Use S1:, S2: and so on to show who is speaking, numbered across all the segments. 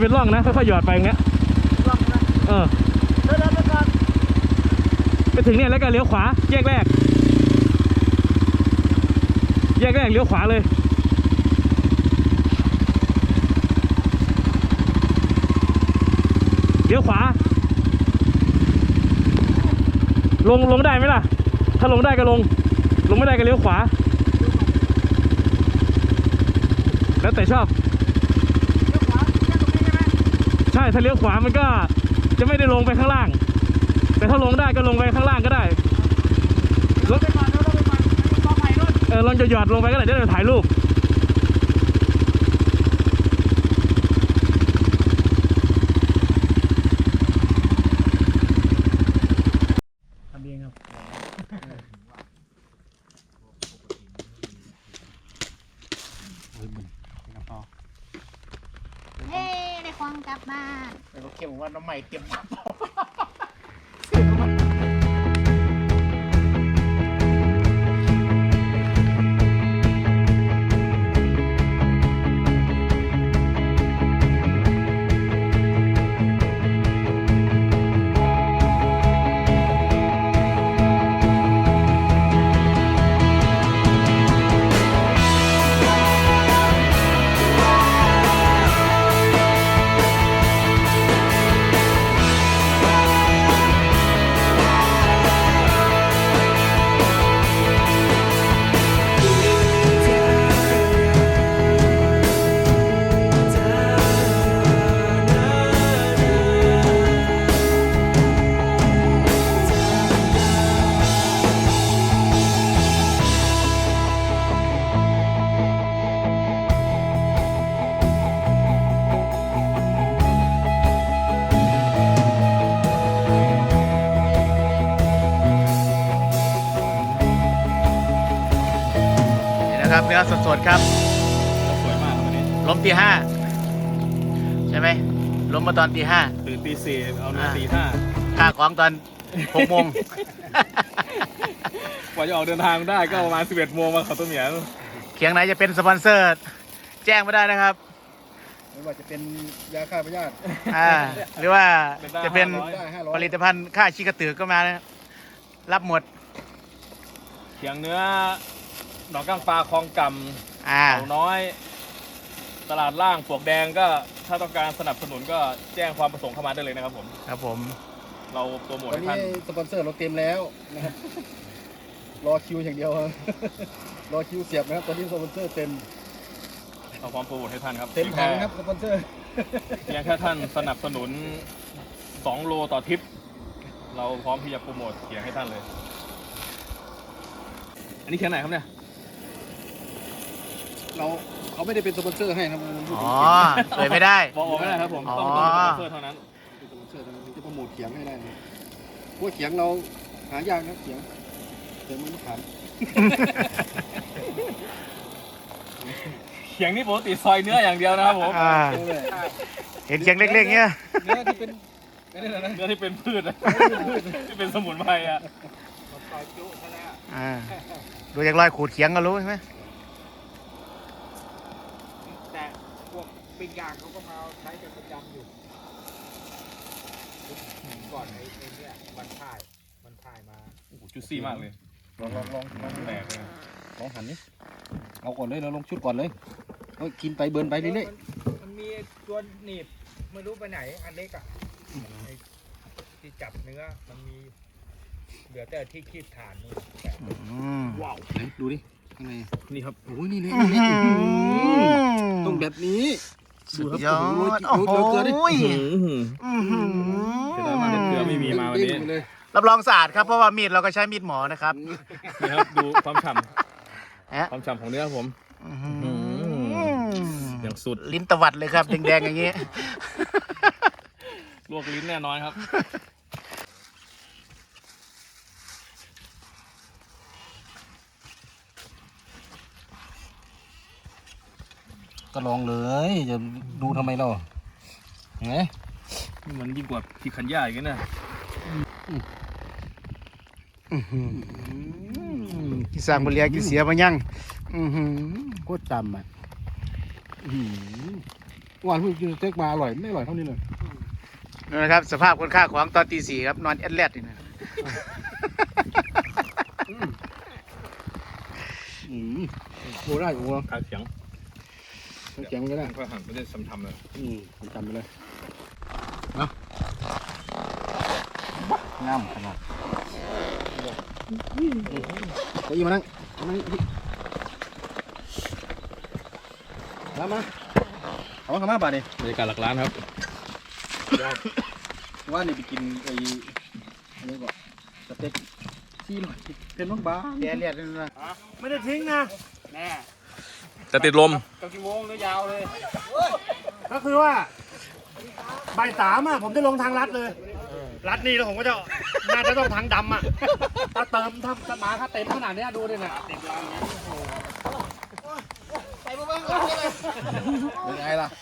S1: เป็นร่องนะค่อยๆหยอดไปอย่างเงี้ย
S2: ร่องนะเดินไปก่อน
S1: ไปถึงเนี่ยแล้วก็เลี้ยวขวาแยกแรกเลี้ยวขวาเลยเลี้ยวขวาลงได้ไหมล่ะถ้าลงได้ก็ลงไม่ได้ก็เลี้ยวขวาแล้วแต่ชอบ
S2: เลี้ยวขวาแค่ตรงนี้ใช่ไหม
S1: ใช่ถ้าเลี้ยวขวามันก็จะไม่ได้ลงไปข้างล่างแต่ถ้าลงได้ก็ลงไปข้างล่างก็ได้
S2: ลงไปก่อนกอไผ่นู่น
S1: ลองจะหยอดลงไปก็ได้จะได้ถ่ายรูปทำเองครับ
S3: เฮ้ได้ควงกลับบ้าน
S2: ไอ้พวกเข้มว่าน้ำใหม่เตรียมมา
S4: ครับเนื้อสดๆครับ
S1: สวยมากวันนี้
S4: ล้มตี 5ใช่ไหมล้มมาตอนตี 5
S1: ตื่นตี 4เอาเนื้อตี 5
S4: ค่าของตอน6 โมง
S1: กว่าจะออกเดินทางได้ก็ประมาณ11 โมงมาเขาต้นเหมียว
S4: เคียงไหนจะเป็นสปอนเซอร์แจ้งไม่ได้นะครับ
S2: ไม่ว่าจะเป็นยาฆ่าพยาธิ
S4: หรือว่าจะเป็นผลิตภัณฑ์ฆ่าชีกระตือก็มานะรับหมด
S1: เคียงเนื้อหนองก้างปลาคลองกำเขาน้อยตลาดล่างปลวกแดงก็ถ้าต้องการสนับสนุนก็แจ้งความประสงค์เข้ามาได้เลยนะครับผม
S4: ครับผม
S1: เราโปรโมท
S2: ให้ท่านสปอนเซอร์เราเต็มแล้วนะครับรอคิวอย่างเดียวรอคิวเสียบนะครับตอนนี้สปอนเซอร์เต็ม
S1: เราพร้อมโปรโมทให้ท่านครับ
S2: เต็มถังครับสปอนเซอร์
S1: เพียงแค่ท่านสนับสนุน2 โลต่อทริปเราพร้อมที่จะโปรโมทเขียงให้ท่านเลยอันนี้เขียงไหนครับเนี่ย
S2: เขาไม่ได้เป็นสปอนเซอร์ให้นะ
S4: เผยไม่ได้
S1: บอกไม่ได้ครับผมต้องสปอนเซอร์เท่านั้น
S2: สปอนเซอร์จะโปรโมทเขียงให้ได้เพราะเขียงเราหายากนะเขียงมันไม่ขาย
S1: เขียงนี่ปกติซอยเนื้ออย่างเดียวนะครับผม
S4: เห็นเขียงเล็กๆเนี้ย
S2: เนื้อที่เป็น
S1: เนื้อที่เป็นพืชที่เป็นสมุนไพร
S4: ดูจากรอยขูดเขียงก็รู้ใช่ไหม
S2: แต่พวกปิ้งย่างเขาก็มาใช้กันประจำอยู่ก่อนไอ้เนี่ยมันถ่ายมา
S1: โอ้โหจุซี่มากเลย
S2: ลอง
S1: แตกเลย
S2: ลองหันนี่เอาก่อนเลยเราลงชุดก่อนเลยกินไปเบิร์นไปเรื่อย
S5: ๆมันมีตัวหนีบไม่รู้ไปไหนอันเล็กอ่ะที่จับเนื้อมันมีเหลือแต่ที่คีบฐานนี่
S2: ว้าวไหนดูดิข้างใน
S1: นี่ครับ
S2: โอ้ยนี่เลยต้องแบบนี้
S4: สุดยอด
S2: โอ้โห
S4: เ
S1: กลือไม่มีมาวันนี้
S4: รับรองสะอาดครับเพราะว่ามีดเราก็ใช้มีดหมอนะครับ
S1: นี่ครับดูความฉ่ำของเนื้อผมอย่างสุด
S4: ลิ้นตวัดเลยครับแดงๆอย่างนี้
S1: ลวกลิ้นแน่นอนครับ
S2: ก็ลองเลยจะดูทำไมเราไง
S1: มันยิ่งกว่าที่ขันย่าอย่างนี้นะ
S4: กิสร้างบริยากิเสียมายัง
S2: โคตรจำอ่ะหวานเพิ่งกินสเต็กมาอร่อยไม่อร่อยเท่านี้เลย
S4: นี่นะครับสภาพคนค่าของตอนตี 4ครับนอนแอดแลดนี่นะ
S2: โอ้ได้โอ้
S1: ขาเสียง
S2: แข็งก็ได้
S1: ก็หันไปได้ทำเลย
S2: ผมจำไปเลย
S4: งามขนาด
S2: เก้าอี้มานั่งมาเอาเข้ามาบ่านี่
S1: บรรยากาศหลักล้านครับ
S2: ว่านี่ไปกินไอ้อะไรก่อนสเต็กซี่หน่อยเป็นบ้างบ้า
S4: แอดแลดนี่นะ
S5: ไม่ได้ทิ้งนะ
S4: แน่
S1: จะติดลม
S2: กับกี่โมงเลยยาวเลย
S5: ก็คือว่าบ่าย 3อ่ะผมจะลงทางลัดเลยลัดนี่แล้วผมก็จะน่าจะต้องทางดำอ่ะถ้าเติมถ้ามาถ้าเต็มขนาดนี้ดูดิเนี่ย
S2: เป็นไงล่ะ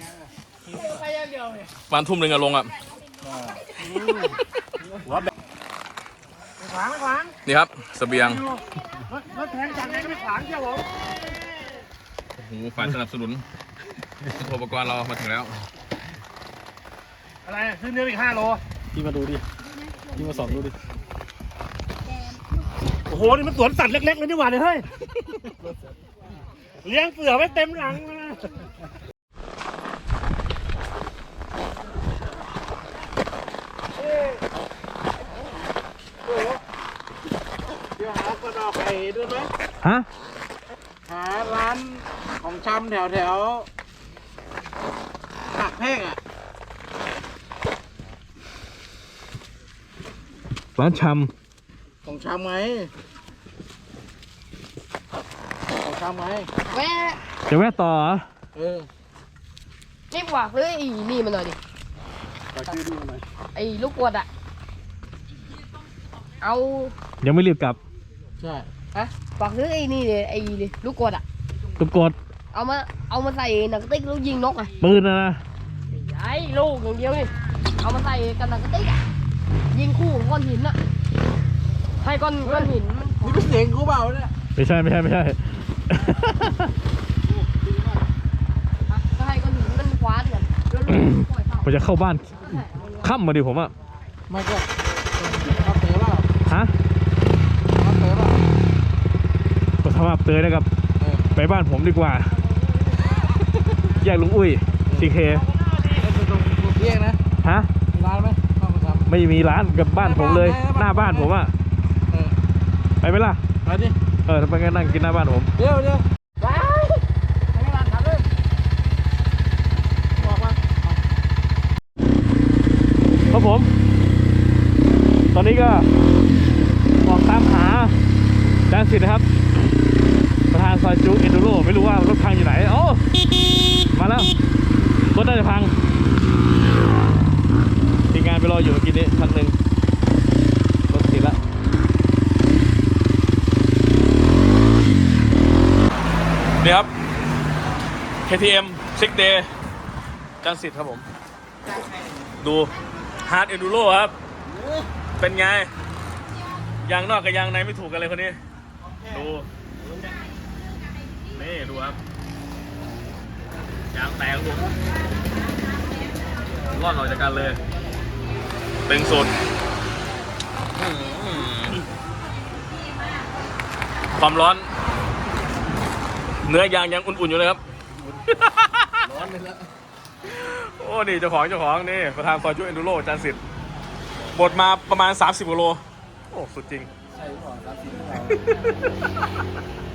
S1: วันทุ่มหนึ่งอะลงอะ
S5: ขวางไม่ขวาง
S1: นี่ครับเสบียง
S5: รถแทงจากไหนก็ไม่ขวางเจ้าผม
S1: โอ้โหฝ่ายสนับสนุนอุปกรณ์เรามาถึงแล้ว
S5: อะไรซื้อเนื้ออีก5 โล
S2: พี่มาดูดิพี่มาสอนดูดิ
S5: โอ้โหนี่มันสวนสัตว์เล็กๆเลยนี่หว่าเนี่ยเฮ้ยเลี้ยงเสือไว้เต็มหลังเลยนะ
S4: เดี๋ยวหาคนออกไปด้วยไหม
S1: ฮะ
S4: หาร้านของชำแถวหักแพงอ่ะ
S1: ร้านช
S4: ของชำไหมของชำไหม
S3: แวะ
S1: ำจะแวะต่อเหรอ
S4: เออ
S3: รีบหวักเลยอีนี่มาหน่อยดิ
S2: ฝากชื่อดูหน่อย
S3: ไอ้ลูกกวดอะเอา
S1: ยังไม่รีบกลับ
S4: ใช่
S3: ฮะหวักเลยไอ้นี่เลยไอ้ลูกกวดอะ
S1: ตุกกด
S3: เอามาใส่หนังกระติกแล้วยิงนกอะ
S1: ปืนนะ
S3: ไอ้ลูกอย่างเดียวนี่เอามาใส่กันหนังกระติกอะยิงคู่กับก้อนหินอะให้ก้อนหินมัน
S4: นี่เป็นเสียงกูเปล่าเนี่ย
S1: ไม่ใช่
S3: ก็ให้ก้อนหินมันคว้านกันแล้วลูกปล่อยเต่า
S1: ผมจะเข้าบ้านค่ำมาดิผมอะ
S4: ไม่ก็เอาเต๋อเปล่า
S1: ฮะ
S4: เอาเต๋อเปล่า
S1: ก็ทำอับเตยนะครับ
S4: เออ
S1: ไปบ้านผมดีกว่า แยกลุงอุ้ยทีเค
S4: เป็นตรงเที่ยงนะ
S1: ฮะ
S4: ร้านไหมข้าวมันทำ
S1: ไม่มีร้านกับบ้านผมเลย หน้าบ้านผมอะ
S4: เออ
S1: ไปไหมล่ะ
S4: ไปดิ
S1: ทำไมงั้นนั่งกินหน้าบ้านผม
S4: เดี๋ยว
S3: ไปให้ร้านกันเลย
S4: บอกว่า
S1: ครับผม ตอนนี้ก็ออกตามหาจานสิทธิ์นะครับ ประธานซอยจูเอนดูโรไม่รู้ว่ารถพังอยู่ไหนโอ้มาแล้ว รถน่าจะพังทีมงานไปรออยู่เมื่อกี้นี้คันหนึ่งรถติดละนี่ครับ KTM 6 Day จานสิทธิ์ครับผม ดู Hard Enduro ครับ เป็นไง ยางนอกกับยางในไม่ถูกกันเลยคนนี้ ดู นี่ดูครับ ยางแตกผมรอดออกจากกันเลยตึงสุดความร้อน เนื้อยางยังอุ่นๆอยู่เลยครับ
S2: ร้อนเลยละ
S1: โอ้นี่เจ้าของนี่ประธานซอยจุเอนดูโรจานสิทธิ์บดมาประมาณ30 กว่าโล โอ้ สุดจริง
S2: ใช่หรือเปล่า30 หรือเปล่า